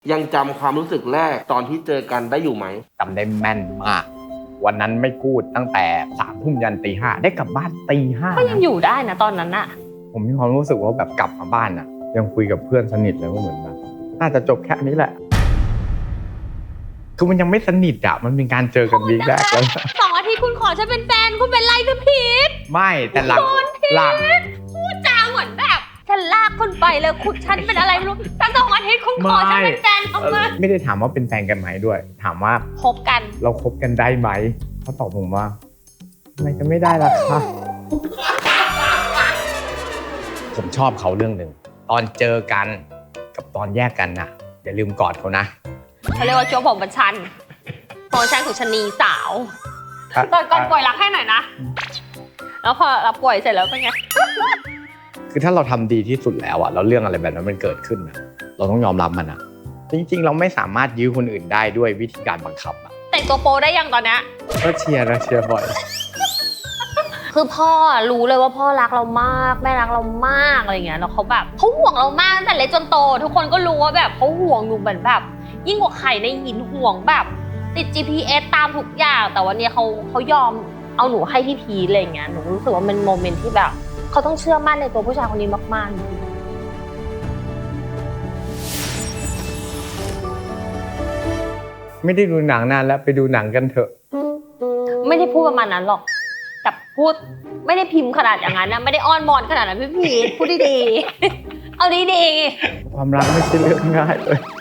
ยังจำความรู้สึกแรกตอนที่เจอกันได้อยู่ไหมจำได้แม่นมากวันนั้นไม่พูดตั้งแต่3 ทุ่มยันตี 5ได้กลับบ้านตี 5 ก็ยังอยู่ได้นะตอนนั้นอะผมมีความรู้สึกว่าแบบกลับมาบ้านอะยังคุยกับเพื่อนสนิทเลยว่าเหมือนแบบน่าจะจบแค่นี้แหละคือมันยังไม่สนิทอะมันเป็นการเจอกันวีคแรกแล้ว 2 อาทิตย์คุณขอฉันเป็นแฟนคุณเป็นไรจะผิดไม่แต่หลังพูดจาเหมือนแบบฉันลากคุณไปเลยคุณฉันเป็นอะไรไม่รู้แต่2 อาทิตย์คุณขอฉันเป็นแฟนทำไมไม่ได้ถามว่าเป็นแฟนกันไหมด้วยถามว่าคบกันเราคบกันได้ไหมเขาตอบผมว่าทำไมจะไม่ได้ล่ะคะผมชอบเขาเรื่องหนึ่งตอนเจอกันกับตอนแยกกันน่ะอย่าลืมกอดเขานะเขาเรียกว่าช่วงผมประชันของฉันคือชนีสาวตอนก่อนป่วยรักให้หน่อยนะแล้วพอรับป่วยเสร็จแล้วเป็นไงคือถ้าเราทำดีที่สุดแล้วอะแล้วเรื่องอะไรแบบนั้นมันเกิดขึ้นอะเราต้องยอมรับมันอะจริงๆเราไม่สามารถยื้อคนอื่นได้ด้วยวิธีการบังคับอะแต่งตัวโปได้ยังตอนนี้ก็เชียร์บ่อยคือพ่อรู้เลยว่าพ่อรักเรามากแม่รักเรามากอะไรเงี้ยแล้วเขาแบบเขาห่วงเรามากตั้งแต่เล็กจนโตทุกคนก็รู้ว่าแบบเขาห่วงหนูเหมือนแบบยิ่งกว่าไข่ในหินห่วงแบบติด GPS ตามทุกอย่างแต่วันนี้เขายอมเอาหนูให้พี่พีอะไรเงี้ยหนูรู้สึกว่าเป็นโมเมนต์ที่แบบเขาต้องเชื่อมั่นในตัวผู้ชายคนนี้มากๆไม่ได้ดูหนังนานแล้วไปดูหนังกันเถอะไม่ได้พูดประมาณนั้นหรอกแต่พูดไม่ได้พิมพ์ขนาดอย่างนั้นนะไม่ได้อ้อนวอนขนาดนั้นพี่พีพูดดีๆเอาดีๆความรักไม่ใช่เรื่องง่ายเลย